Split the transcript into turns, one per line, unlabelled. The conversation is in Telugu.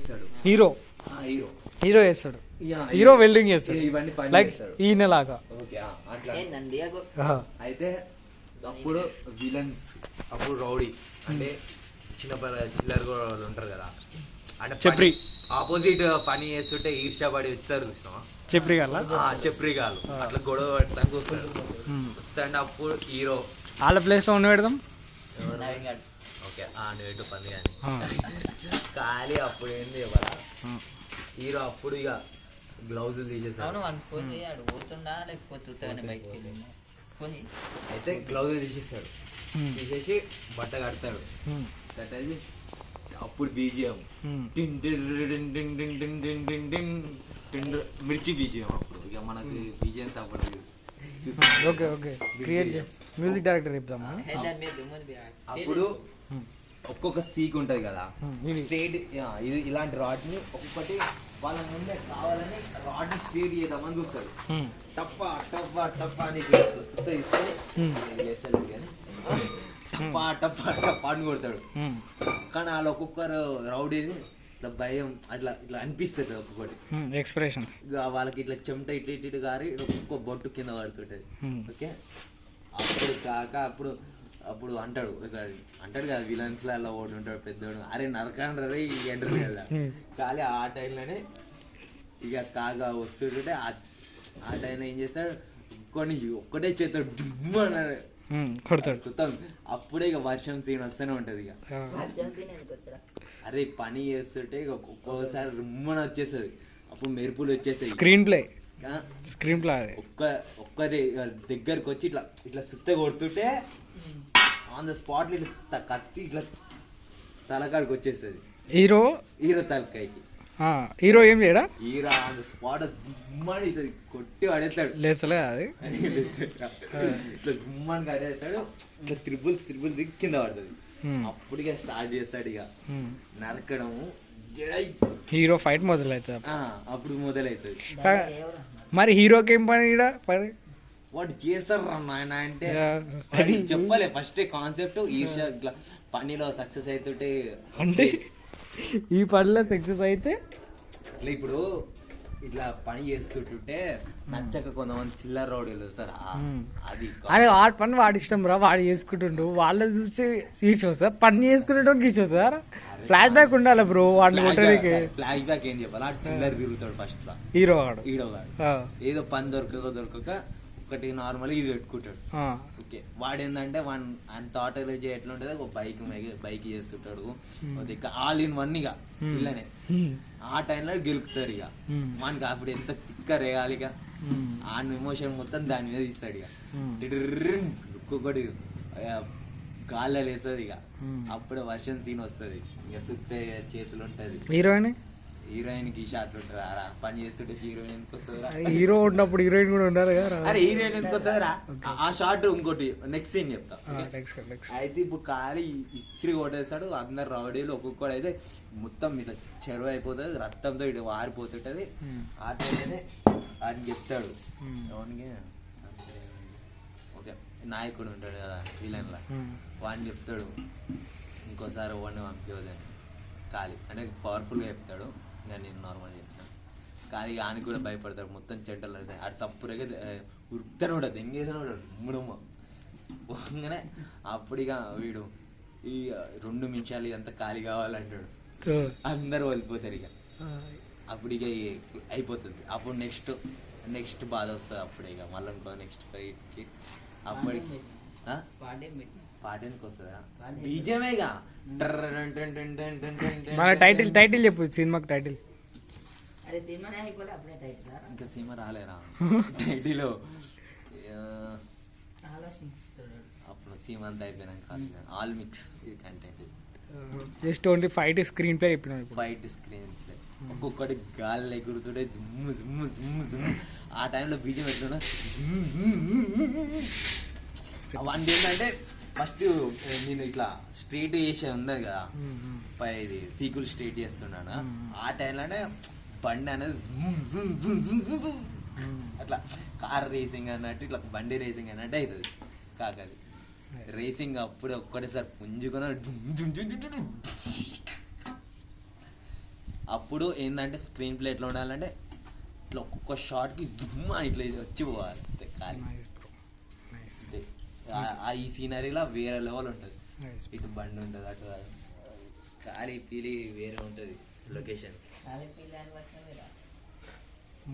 చేస్తాడు.
హీరో
హీరో
హీరో చేస్తాడు. హీరో వెల్డింగ్ చేస్తాడు
ఇవన్నీ పని
లైక్
చేస్తాడు.
ఈయనలాగా.
ఓకే అట్లా అయితే అప్పుడు విలన్స్, అప్పుడు రౌడీ అంటే చిల్లర కూడా ఉంటారు కదా, అంటే
చెప్రి
ఆపోజిట్ పని చేస్తుంటే ఈర్ష్యపడి వచ్చారు చూసినావా,
చెప్రి గల
చెప్రిగాలు అట్లా గొడవ పెట్టడానికి వస్తాడు. వస్తాంటే అప్పుడు హీరో
వాళ్ళ ప్లేస్ లో ఉండి పెడదాం.
ఓకే నేటు పని కానీ ఖాళీ అప్పుడు ఏంది ఇవ్వాల హీరో అప్పుడు ఇక గ్లౌజులు తీసేసాడు. అయితే గ్లౌజులు తీసేస్తాడు, తీసేసి బట్ట కడతాడు. కట్టేసి అప్పుడు బీజిఎం మిర్చి బీజిఎం. అప్పుడు ఇక మనకి బీజిఎంస్ అప్పుడు
okay okay create music director చెప్తామా.
అప్పుడు ఒక్కొక్క సీక్ ఉంటది కదా స్ట్రేట్, ఇది ఇలాంటి రాడ్ ని ఒక్కొక్కటి వాళ్ళ ముందే కావాలని రాడ్ ని స్ట్రేట్ చేద్దామని చూస్తారు. టప్ప టప్ప టప్ప అని సుత్త ఇస్తే కానీ టప్ప టప్ప టప్ప అని కొడతాడు. కానీ వాళ్ళు ఒక్కొక్కరు రౌడీ ఇట్లా భయం అట్లా ఇట్లా అనిపిస్తుంది ఒక్కొక్కటి
ఎక్స్ప్రెషన్స్.
వాళ్ళకి ఇట్లా చెమట ఇట్లా ఇటు గారి ఒక్కొక్క బొట్టు కింద పడుతుంటది. ఓకే అప్పుడు కాక అప్పుడు అంటాడు కదా విలన్స్ లో అలా ఒకటి ఉంటాడు పెద్దోడు, అరే నరకాండ్ర రే ఎంటర్ కదా. కానీ ఆ టైంలోనే ఇక కాగా వస్తుంటే ఆ టైంలో ఏం చేస్తాడు, ఒక్కటే చేస్తాడు డుమ్ అన్నాడు
కొడతాడు.
అప్పుడే ఇక వర్షం సీన్ వస్తూనే ఉంటది. ఇక అరే పని చేస్తుంటే ఇక ఒక్కోసారి రుమ్మని వచ్చేస్తుంది, అప్పుడు మెరుపులు వచ్చేస్తాయి.
స్క్రీన్ ప్లే
ఒక్కరి దగ్గరకు వచ్చి ఇట్లా ఇట్లా సుత్త కొడుతుంటే ఆన్ ద స్పాట్ ఇట్లా కత్తి ఇట్లా తలకాడికి వచ్చేస్తుంది హీరో తలకాయకి.
హీరో ఏం చేయడా,
హీరో ఆన్ ద స్పాట్ జుమ్మని ఇట్లా కొట్టి పడేస్తాడు.
లేసలే అది
ఇట్లా జుమ్మని కడేస్తాడు, ఇట్లా త్రిబుల్స్ దిగి కింద పడుతుంది. అప్పుడు ఇక స్టార్ట్ చేస్తాడు ఇక నరకడము.
హీరో ఫైట్ మొదలవుతుంది.
అప్పుడు మొదలవుతుంది.
మరి హీరోకి ఏం పని
వాడు చేస్తారు నాయన అంటే అది చెప్పలే ఫస్ట్ కాన్సెప్ట్. ఈర్ష ఇట్లా పనిలో సక్సెస్ అవుతుంటే
అంటే ఈ పనిలో సక్సెస్ అయితే
ఇట్లా ఇప్పుడు ఇట్లా పని చేస్తుంటుంటే నచ్చక కొంతమంది చిల్లర రౌడీలు వస్తారు. అది
అరే వాడి పని వాడి ఇష్టం రా, వాడు చేసుకుంటుండు, వాళ్ళని చూసి తీర్చోదు సార్, పని చేసుకునేటో తీర్చోదు సార్. ఫ్లాష్ బ్యాక్ ఉండాలి బ్రో వాడిని కొట్టడానికి.
ఫ్లాష్ బ్యాక్ ఏం చెప్పాలి, ఆడు చిల్లర తిరుగుతాడు ఫస్ట్ లో
హీరో
గాడు ఏదో పని దొరకక ఒకటి నార్మల్ ఇది పెట్టుకుంటాడు. ఓకే వాడు ఏంటంటే ఆయన థాట్ ఎట్లా ఉంటుంది, ఒక బైక్ చేస్తుంటాడు ఆల్ ఇన్ వన్ ఇక ఇల్లనే. ఆ టైంలో గెలుపుతారు ఇక మనకి అప్పుడు ఎంత తిక్క రేగాలి ఇక ఆ ఎమోషన్ మొత్తం దాని మీద ఇస్తాడు. ఇక ఒక్కొక్కటి గాల్లో వేస్తుంది ఇక అప్పుడే వర్షం సీన్ వస్తుంది. ఇక సుత్తే చేతులు ఉంటది. హీరోయిన్ కి షాట్లు ఉంటుంది. పని చేస్తుంటే హీరోయిన్ ఎందుకు వస్తుందిరా, హీరో ఉన్నప్పుడు హీరోయిన్ కూడా ఉండాలి కదా. అరే హీరోయిన్ ఎందుకు వస్తుందిరా, ఆ షార్ట్ ఇంకోటి నెక్స్ట్ సీన్ చెప్తా. అయితే ఇప్పుడు ఖాళీ ఇస్త్రీ కొట్టేస్తాడు, అందరు రౌడీలు ఒక్కొక్కడు అయితే మొత్తం ఇట్లా చెరువు అయిపోతుంది, రక్తంతో ఇటు వారిపోతుంటది. ఆ టైంలోనే ఆయన చెప్తాడు ఎవరికి, ఓకే నాయకుడు ఉంటాడు కదా విలన్ లా, వాడిని చెప్తాడు ఇంకోసారి వాడిని పంపించదని. ఖాళీ అంటే పవర్ఫుల్గా చెప్తాడు, ఇక నేను నార్మల్ చెప్తాను. కానీ ఆయనకి కూడా భయపడతాడు, మొత్తం చెడ్డలు అవుతాయి. అటు సప్పుడుగా ఉరుకుతానే ఉంటుంది, ఎంగేసానే ఉంటాడు ముడుమ్మ పోగానే. అప్పుడు ఇక వీడు ఈ 2 నిమిషాలు ఇదంతా ఖాళీ కావాలంటాడు, అందరూ వెళ్ళిపోతారు. ఇక అప్పుడు ఇక అయిపోతుంది. అప్పుడు నెక్స్ట్ బాధ వస్తుంది. అప్పుడు ఇక మళ్ళీ ఇంకో నెక్స్ట్ ఫైట్కి అప్పటికి పాట ఎందుకు వస్తుందా, బీజమేగా.
మన టైటిల్ చెప్పు, సినిమాకి టైటిల్.
ఇంకా సినిమా రాలేరా టైటిల్, అప్పుడు సినిమా అంతా అయిపోయినాక ఆల్ మిక్స్ ఇది content.
Just only fight screenplay చెప్పిన,
ఫైట్ స్క్రీన్ ప్లే ఒక్కొక్కటి గాలి ఎగురుతుంటే జుమ్ము జుమ్ము జుమ్ము జుమ్ము. ఆ టైంలో బీజం ఎట్లున్నా అవన్నీ ఏంటంటే ఫస్ట్ నేను ఇట్లా స్ట్రేట్ చేసే ఉన్నది కదా, ఇది సీకులు స్ట్రేట్ చేస్తున్నాను. ఆ టైంలోనే బండి అనేది అట్లా కార్ రేసింగ్ అన్నట్టు ఇట్లా బండి రేసింగ్ అన్నట్టు అవుతుంది. కాకది రేసింగ్ అప్పుడు ఒక్కటేసారి పుంజుకొని అప్పుడు ఏంటంటే స్క్రీన్ ప్లే ఎట్లా ఉండాలంటే ఇట్లా ఒక్కొక్క షాట్కి జుమ్ అని ఇట్లా వచ్చి పోవాలి ఖాళీ. ఈ సీనరీలో వేరే లెవెల్ ఉంటుంది. ఇటు బండి ఉంటుంది, అటు ఖాళీ పీలి వేరే ఉంటుంది లొకేషన్.